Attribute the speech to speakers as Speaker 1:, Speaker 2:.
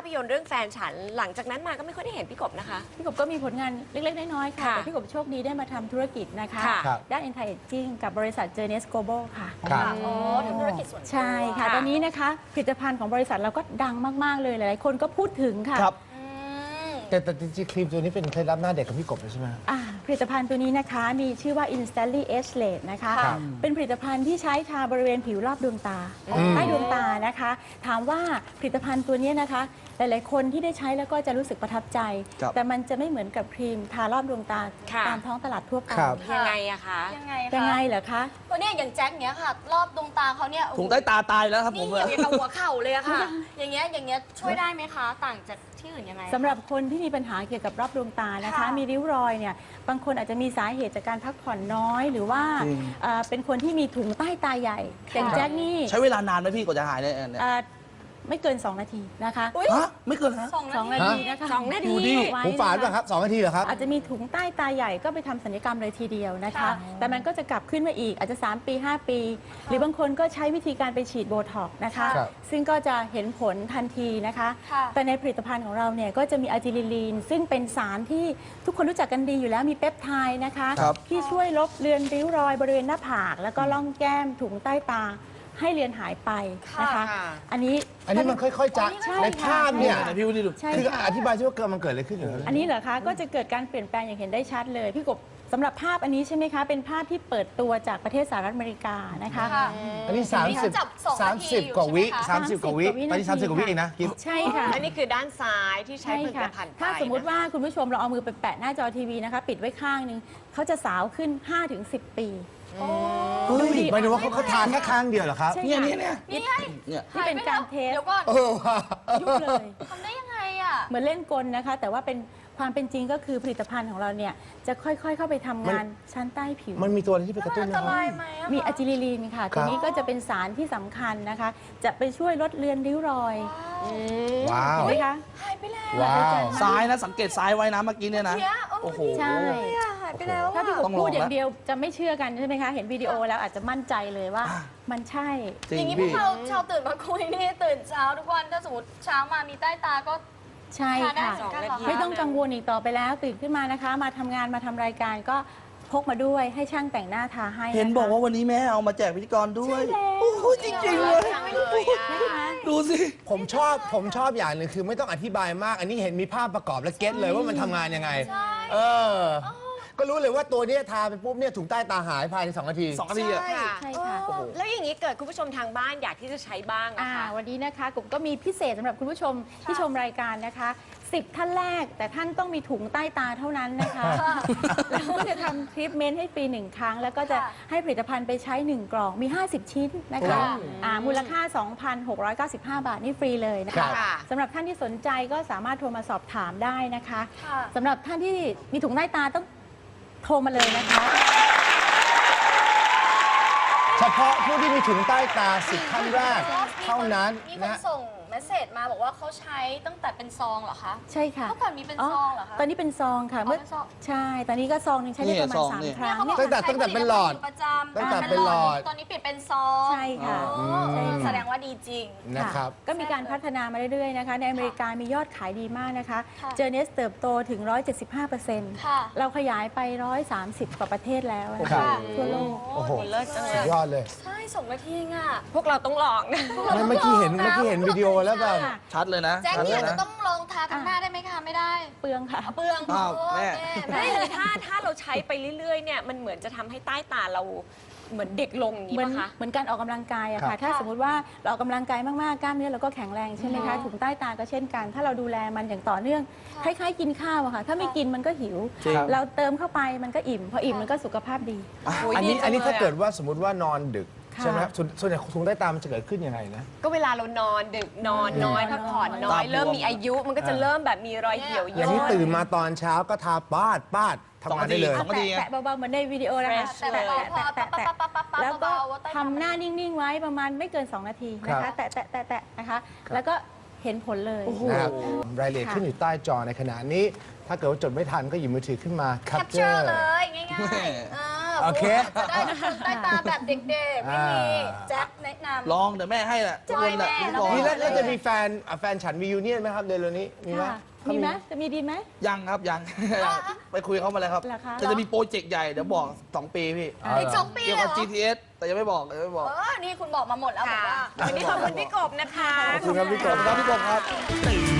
Speaker 1: พยนตร์เรื่องแฟนฉันหลังจากนั้นมาก็ไม่ค่อยได้เห็นพี่กบนะคะ
Speaker 2: พี่กบก็มีผลงานเล็กๆน้อยๆค่ะแต่พี่กบโชคดีได้มาทำธุรกิจนะคะด้าน Anti Aging กับบริษัท Journeys Global ค่ะ
Speaker 3: อ๋อทำธุรกิจส่วนตัว
Speaker 2: ใช่ค่ะตอนนี้นะคะผลิตภัณฑ์ของบริษัทเราก็ดังมากๆเลยหลายๆคนก็พูดถึงค่ะ
Speaker 4: แต่จริงๆครีมตัวนี้เป็นเคล็ดลับหน้าเด็กของพี่กบเลยใช่ไหม
Speaker 2: ผลิตภัณฑ์ตัวนี้นะคะมีชื่อว่า Instantly Age Late นะคะเป็นผลิตภัณฑ์ที่ใช้ทาบริเวณผิวรอบดวงตาใต้ดวงตานะคะถามว่าผลิตภัณฑ์ตัวนี้นะคะหลายๆคนที่ได้ใช้แล้วก็จะรู้สึกประทับใจแต่มันจะไม่เหมือนกับครีมทารอบดวงตาตามท้องตลาดทั่วไป
Speaker 1: ยังไงอะคะ
Speaker 2: ยังไงเหรอคะ
Speaker 3: ตัวเนี้ยอย่างแจ็คเนี้ยค่ะรอบดวงตาเขาเนี่ย
Speaker 5: ถุงใต้ตาตายแล้วครับผม
Speaker 3: นี่อย่างกับหัวเข่าเลยอะค่ะอย่างเงี้ยช่วยได้ไหมคะต่างจากที่อื่นยังไง
Speaker 2: สำหรับคนที่มีปัญหาเกี่ยวกับรอบดวงตานะคะมีริ้วรอยเนี่ยบางคนอาจจะมีสาเหตุจากการพักผ่อนน้อยหรือว่าเป็นคนที่มีถุงใต้ตาใหญ่อย่างแจ็คนี่
Speaker 5: ใช้เวลานานไหมพี่กว่าจะหายเนี่ย
Speaker 2: ไม่เกิน2 นาทีนะคะ
Speaker 5: ไม่เกินฮะ
Speaker 2: 2 นาทีนะคะ
Speaker 1: 2 นาที
Speaker 4: หูฝาดป่ะครับ2 นาทีเหรอครับ
Speaker 2: อาจจะมีถุงใต้ตาใหญ่ก็ไปทำศัลยกรรมเลยทีเดียวนะคะแต่มันก็จะกลับขึ้นมาอีกอาจจะ3 ปี 5 ปี หรือบางคนก็ใช้วิธีการไปฉีดโบท็อกซ์นะคะซึ่งก็จะเห็นผลทันทีนะคะแต่ในผลิตภัณฑ์ของเราเนี่ยก็จะมีอะจิลิลีนซึ่งเป็นสารที่ทุกคนรู้จักกันดีอยู่แล้วมีเปปไทด์นะคะที่ช่วยลบเลือนริ้วรอยบริเวณหน้าผากแล้วก็ร่องแก้มถุงใต้ตาให้เลือนหายไปนะคะอันนี้
Speaker 4: มันค่อยๆจะในภาพเนี่ย
Speaker 5: พี่วุฒิดู
Speaker 4: คืออธิบายช่วยว่ามันเกิดอะไรขึ้น
Speaker 2: อันนี้เหรอคะก็จะเกิดการเปลี่ยนแปลงอย่างเห็นได้ชัดเลยพี่กบสำหรับภาพอันนี้ใช่ไหมคะเป็นภาพที่เปิดตัวจากประเทศสหรัฐอเมริกานะคะ
Speaker 4: อันนี้30 กว่าวิ30 กว่าวิตอนนี้30 กว่าวิเองนะ
Speaker 2: ใช่ค่ะ
Speaker 1: อันนี้คือด้านซ้ายที่ใช้ผลิตภัณฑ์
Speaker 2: ถ้าสมมุติว่าคุณผู้ชมเราเอามือไปแปะหน้าจอทีวีนะคะปิดไว้ข้างนึงเขาจะสาวขึ้น 5-10 ปี
Speaker 4: หมายถึงว่าเขาทานแค่ข้างเดียวเหรอครับ
Speaker 5: เนี่ย
Speaker 2: นี่เป็นการเทสยุบเลย
Speaker 3: ทำได้ยังไงอ่ะ
Speaker 2: เหมือนเล่นกลนะคะแต่ว่าเป็นความเป็นจริงก็คือผลิตภัณฑ์ของเราเนี่ยจะค่อยๆเข้าไปทำงานชั้นใต้ผิว
Speaker 4: มันมีตัวอะไรที่ไปกระตุ้น
Speaker 3: ไหม
Speaker 2: มีอะจิลิลีนค่ะตัวนี้ก็จะเป็นสารที่สำคัญนะคะจะไปช่วยลดเลือนริ้วรอย
Speaker 4: ว้าว
Speaker 2: เห็นไหมคะ
Speaker 3: หายไปแล้ว
Speaker 5: ซ้ายนะสังเกตซ้ายไว้นะเมื่อกี้เนี่ยนะโอ้โห
Speaker 2: ใช่
Speaker 3: หายไปแล้ว
Speaker 2: ถ้าพี่กบพูดอย่างเดียวจะไม่เชื่อกันใช่ไหมคะเห็นวิดีโอแล้วอาจจะมั่นใจเลยว่ามันใช่
Speaker 3: อย่างนี้พวกเราชาวตื่นมาคุยนี่ตื่นเช้าทุกวันถ้าสมมติเช้ามามีใต้ตาก็
Speaker 2: ใช่ค่ะไม่ต้องกังวลอีกต่อไปแล้วตื่นขึ้นมานะคะมาทำงานมาทำรายการก็พกมาด้วยให้ช่างแต่งหน้าทาให้
Speaker 5: เห็นบอกว่าวันนี้แม่เอามาแจกพิธีกรด้วยโอ้โหจริงๆเลยดูสิ
Speaker 4: ผมชอบอย่างหนึ่งคือไม่ต้องอธิบายมากอันนี้เห็นมีภาพประกอบและเก็ตเลยว่ามันทำงานยังไงก็รู้เลยว่าตัวนี้ทาไปปุ๊บเนี่ยถุงใต้ตาหายภายใน2 นาที
Speaker 5: 2 นาทีอ่ะ
Speaker 2: ใช่ค่ะ
Speaker 1: แล้วอย่างนี้เกิดคุณผู้ชมทางบ้านอยากที่จะใช้บ้างนะคะ
Speaker 2: วันนี้นะคะกลุ่มก็มีพิเศษสำหรับคุณผู้ชมที่ชมรายการนะคะ10 ท่านแรกแต่ท่านต้องมีถุงใต้ตาเท่านั้นนะคะแล้วก็จะทำทรีทเมนต์ให้ฟรี1 ครั้งแล้วก็จะให้ผลิตภัณฑ์ไปใช้1 กล่องมี50 ชิ้นนะคะมูลค่า 2,695 บาทนี่ฟรีเลยนะคะสำหรับท่านที่สนใจก็สามารถโทรมาสอบถามได้นะคะสำหรับท่านที่มีถุงใต้ตาต้องโทรมาเลยนะคะ
Speaker 4: เฉพาะผู้ที่มีถุงใต้ตา10 ท่านแรกเท่านั้น
Speaker 3: นะส่งเมสเซจมาบอกว่าเขาใช้ตั้งแต่เป็นซองเหรอคะ
Speaker 2: ใช่ค่ะ
Speaker 3: เมื่อก่อนมีเป็นซองเหรอคะ
Speaker 2: ตอนนี้เป็นซองค่ะเมื่อใช่ตอนนี้ก็ซองนึงใช้ได้ประมาณ3 ครั้ง
Speaker 4: ตั้งแต่เป็นหลอดตั้งแต่เป็นหลอด
Speaker 3: ตอนนี้เปลี่ยนเป็นซอง
Speaker 2: ใช่ค่ะ
Speaker 3: แสดงว่าดีจริง
Speaker 4: นะครับ
Speaker 2: ก็มีการพัฒนามาเรื่อยๆนะคะในอเมริกามียอดขายดีมากนะคะเจอเนสเติบโตถึง 175%เราขยายไป130 กว่าประเทศแล้วทั่วโลก
Speaker 4: โอ้โหสุดยอดเลย
Speaker 3: ใช่2 นาทีอ่ะ
Speaker 1: พวกเราต้องลองนะ
Speaker 4: เมื่อกี้เห็นวิดีโอแล้วแบบ
Speaker 5: ชัดเลยนะ
Speaker 3: แจ็คเนี่ยจะต้องลองทาทั้งหน้าได้ไหมคะไม่ได้
Speaker 2: เปลืองค่ะ
Speaker 3: เปลือง
Speaker 5: แม่
Speaker 1: ไม่เลยถ้าเราใช้ไปเรื่อยๆเนี่ยมันเหมือนจะทำให้ใต้ตาเราเหมือนเด็กลงอย่างนี้ป่ะคะ
Speaker 2: เหมือนการออกกำลังกายอะค่ะถ้าสมมติว่าเราออกกำลังกายมากๆกล้ามเนื้อเราก็แข็งแรงใช่ไหมคะถุงใต้ตาก็เช่นกันถ้าเราดูแลมันอย่างต่อเนื่องคล้ายๆกินข้าวอะค่ะถ้าไม่กินมันก็หิวเราเติมเข้าไปมันก็อิ่มพออิ่มมันก็สุขภาพดี
Speaker 4: อันนี้ถ้าเกิดว่าสมมติว่านอนดึกใช่ไหมครับส่วนใหญ่ถุงใต้ตามันจะเกิดขึ้นยังไงนะ
Speaker 1: ก็เวลาเรานอนดึกนอนน้อยพักผ่อนน้อยเริ่มมีอายุมันก็จะเริ่มแบบมีรอยเหี่ยวย่น
Speaker 4: อย่างนี้ตื่นมาตอนเช้าก็ทาป้าดทำงานได้เลย
Speaker 2: แตะเบาๆเหมือนในวิดีโอนะคะแตะแล้วก็ทำหน้านิ่งๆไว้ประมาณไม่เกิน2 นาทีนะคะแตะนะคะแล้วก็เห็นผลเลย
Speaker 4: นะครับรายละเอียดขึ้นอยู่ใต้จอในขณะนี้ถ้าเกิดว่าจดไม่ทันก็หยิบมือถือขึ้นมา
Speaker 3: แคปเจอร์เลยง่ายๆ
Speaker 4: โอเค
Speaker 3: จะได้ตื่นใต้ตาแบบเด็กๆ ไม่มีแจ็คแนะนำ
Speaker 5: ลองเดี๋ยวแม่ให้แหละทุกคนแหละ
Speaker 3: แม่
Speaker 5: พิธีกร
Speaker 4: นี่แล้วจะมีแฟนฉันมียูเนียนไหมครับเดือนนี้มีไหม
Speaker 2: ค่ะมีไหมจะมีดีไหม
Speaker 5: ยังครับยัง ไปคุยเขามาแล้วครับ
Speaker 2: เหรอคะ
Speaker 5: จะมีโปรเจกต์ใหญ่เดี๋ยวบอก 2 ปีพี่
Speaker 3: อีก2 ปี
Speaker 5: เกี่ยว
Speaker 3: เลย
Speaker 5: กับ
Speaker 3: เหรอ
Speaker 5: GTS แต่ยังไม่บอก
Speaker 3: นี่คุณบอกมาหมดแล้วบอก
Speaker 1: ค่ะ
Speaker 3: ว่า
Speaker 1: วันนี้ขอบคุณพี่กบนะคะ
Speaker 4: ขอบคุณครับพี่ก
Speaker 5: ขอบบ คุณครับพี่กบครับ
Speaker 6: ตื่น